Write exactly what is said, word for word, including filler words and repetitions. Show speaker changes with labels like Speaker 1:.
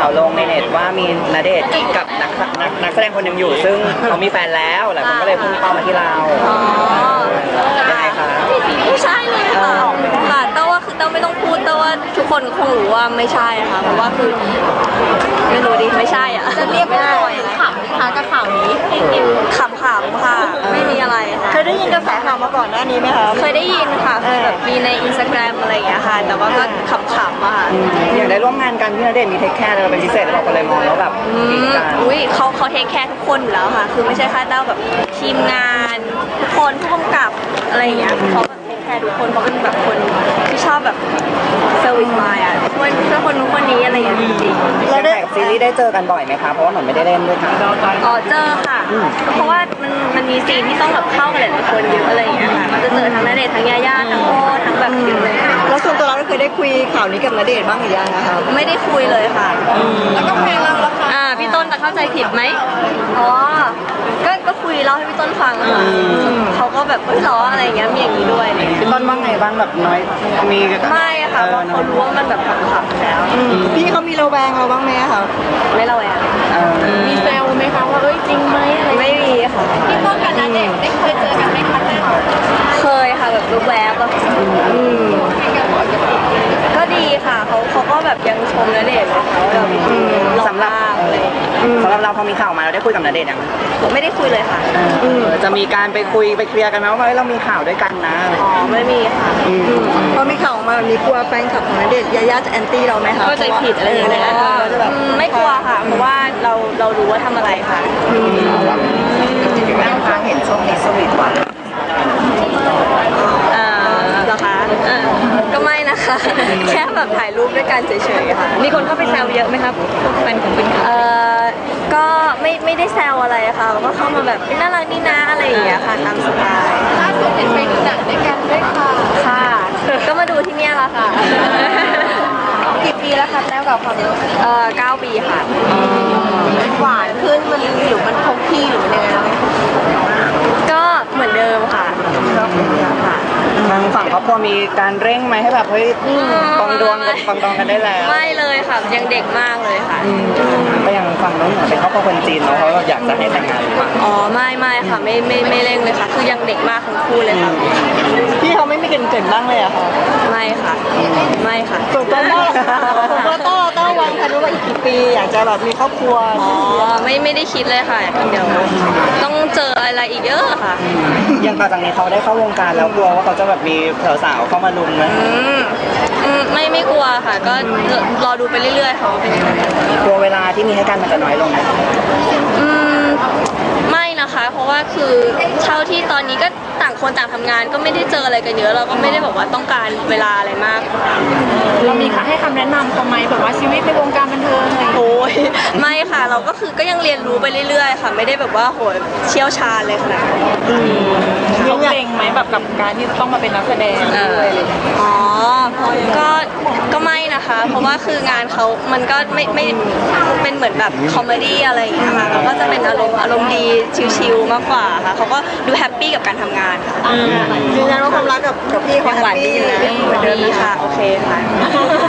Speaker 1: าวลงในเน็ตว่ามีณเดชน์กับนักนักนักแสดงคนหนึ่งอยู่ซึ่งเขามีแฟนแล้วหลายคนก็เลยพุ่งเป้ามาที่เรายังไงคะ
Speaker 2: ไม่ใช่เลยค่ะค่ะแต่ว่าคือแต่ไม่ต้องพูดแต่ว่าทุกคนคงรู้ว่าไม่ใช่ค่ะเพราะว่าคือไม่รู้ดิไม่ใช่อ่ะ
Speaker 3: จะเรียกว่าขำนะคะกับข่าวนี้
Speaker 2: ขำๆค่ะไม่มีอะไรค่ะ
Speaker 3: เคยได้ยินกระแสข่าวมาก่อนหน้านี้ไหมคะ
Speaker 2: เคยได้ยินค่ะแบบมีในอินสตาแกรมอะไรอย่างเงี้ยค่ะแต่ว่าก็ขำๆอ่ะ
Speaker 1: อย่างได้ร่วมงานกันพี่ณเดชน์มีเทคแคร์อะไรเป็นพิเศษหรือเปล่าก็เลยมองแล้วแบบ
Speaker 2: อุ้ยเขาเขาเทคแคร์ทุกคนอยู่แล้วค่ะคือไม่ใช่แค่เต้าแบบทีมงานทุกคนผู้กำกับอะไรอย่างเงี้ยเขาแบบเทคแคร์ทุกคนเขาเป็นแบบคนที่ชอบแบบเซอร์วิสมาอ่ะช่วยช่วยคนนู้นคนนี้อะไรอย่างเงี้ยจริง
Speaker 1: ๆแล้วได้ซีรีส์ได้เจอกันบ่อยไหมคะเพราะว่าหนูไม่ได้เล่นด้วยค่ะ
Speaker 2: อ๋อเจอค่ะเพราะว่ามันมันมีซีนที่ต้องแบบเข้ากันหลายคนเยอะอะไรอย่างเงี้ยค่ะมันจะเจอทั้งณเดชน์ทั้งยาย่าทั้งโอ้ทั้งแบบเยอะเลย
Speaker 3: แล้วส่วนตัวเราเคยได้คุยข่าวนี้กับณเดชน์บ้างหรือยังนะคะ
Speaker 2: ไม่ได้คุยเลยค่ะ
Speaker 3: แล้วก็เพลงเราแล้วค่ะ
Speaker 2: อ่าพี่ต้นจะเข้าใจผิดไหมอ๋อก็ก็คุยเล่าให้พี่ต้นฟังค่ะเขาก็แบบเฮ้ยล้ออะไรอย่างเงี้ยมีอย่างนี้ด้วย
Speaker 1: พี่ต้นบ้างไงบ้างแบบน้อยมี
Speaker 2: ไม่ค่ะเพราะเขารู้ว่ามันแบบขับๆแล้ว
Speaker 3: พี่เขามีระแวงเราบ้างไหมคะ
Speaker 2: ไม่ระแวง
Speaker 3: มีแซวไหมคะว่าเอ้ยจริงไหมอะไร
Speaker 2: ไม่มีค่ะ
Speaker 3: พี่ต้นกับณเดชน์ได้เคยเจอกันไหมคะ
Speaker 2: เคยค่ะแบบแวบๆก็ดีค่ะเขาเขาก็แบบยังชมณเดชน์เลยค่ะแบบ
Speaker 1: สำหรับสำหรับเราพอมีข่าวมาเราได้คุยกับณเดชน์ยัง
Speaker 2: ไม่ได้คุยเลยค่ะ
Speaker 1: จะมีการไปคุยไปเคลียร์กันไหมว่าเรามีข่าวด้วยกันนะ
Speaker 2: อ๋อไม่มีค่ะ
Speaker 3: พอมีข่าวมาแบบนี้กลัวแฟนคลับของณเดชน์ยาย่าจะแอนตี้เราไหมคะ
Speaker 2: ก็ใจผิดอะไรอย่างเงี้ยไม่กลัวค่ะเพราะว่าเราเรารู้ว่าทำอะไรค่ะ
Speaker 1: แม่ค้าเห็นช่วงนี้สวีทหวาน
Speaker 2: อ่าเหรอคะก็ไม่นะคะแค่แบบถ่ายรูปด้วยกันเฉยๆค่ะ
Speaker 3: มีคนเข้าไปแซวเยอะไหมครับแฟนของคุณ
Speaker 2: เอ่อก็ไม่ไม่ได้แซวอะไรค่ะก็เข้ามาแบบน่ารักนี่นะอะไรอย่างเงี้ยค่ะตามสไตล์
Speaker 3: ล่าสุดเห็นไปดูหนังด้วยกันด้วยค่ะ
Speaker 2: ค่ะก็มาดูที่เนี่ยละค่ะ
Speaker 3: กี่ปีแล้วคะแต้วกับความรัก
Speaker 2: เอ่อเก้าปีค่ะ
Speaker 3: หวานขึ้นมันหรือมันคงที่หรือมันยังไงไหม
Speaker 2: ก็เหมือนเดิมค่ะค่ะ
Speaker 1: ทางฝั่งครอบครัวมีการเร่งไหมให้แบบเฮ้ยปองดวงกันปองดองกันได้แล้ว
Speaker 2: ไม่เลยค่ะยังเด็กมากเลยค่ะ
Speaker 1: ก็ยังฝั่งน้องเหนือเป็นครอบครัวคนจีนเนาะเขาอยากจะให้แต่งงานหรือเปล่า
Speaker 2: อ๋อไม่ไม่ค่ะไม่ไม่ไม่เร่งเลยค่ะคือยังเด็กมากทั้งคู่เลยค่ะ
Speaker 3: พี่เขาไม่มีเกินเกินบ้างเลยอะค่ะ
Speaker 2: ไม่ค่ะไม่ค่ะ
Speaker 3: ส่วนตัวต้าส่วนตัวต้าต้าวางแผนว่าอีกกี่ปีอยากจะแบบมีครอบครัว
Speaker 2: อ๋อไม่ไม่ได้คิดเลยค่ะเดี๋ยวต้องเจออะไรอีกเยอะค่ะ
Speaker 1: ยังต่อจากนี้เขาได้เข้าวงการแล้วกลัวว่าเขาจะแบบมีสาวๆเข้ามาลุมไหม
Speaker 2: ไม่ไม่กลัวค่ะก็รอดูไปเรื่อยๆเขาเป็นยังไง
Speaker 1: กลัวเวลาที่มีให้กันมันจะน้อยลงไหม
Speaker 2: อืมไม่นะคะเพราะว่าคือเท่าที่ตอนนี้ก็ต่างคนต่างทำงานก็ไม่ได้เจออะไรกันเยอะเราก็ไม่ได้บอกว่าต้องการเวลาอะไรมาก
Speaker 3: เรามีให้คำแนะนำเขาไหมแบบว่าชีวิตในวงการบันเทิงอะไร
Speaker 2: โอ้ยไม่ค่ะเราก็คือก็ยังเรียนรู้ไปเรื่อยๆค่ะไม่ได้แบบว่าโหยเชี่ยวชาญเลยขนาดนั้น
Speaker 3: เขาเกรงไหมแบบกับการที่ต้องมาเป็นนักแสดงด้วย
Speaker 2: อ๋อก็ก็ไม่นะคะเพราะว่าคืองานเขามันก็ไม่ไม่เป็นเหมือนแบบคอมเมดี้อะไรอย่างเงี้ยค่ะเขาก็จะเป็นอารมณ์อารมณ์ดีชิลๆมากกว่าค่ะเขาก็ดูแฮปปี้กับการทำงานค่ะ
Speaker 3: ยืนยันว่าความรักกับกับพี่เขา
Speaker 2: หวานดีนะดีค่ะโอเคค่ะ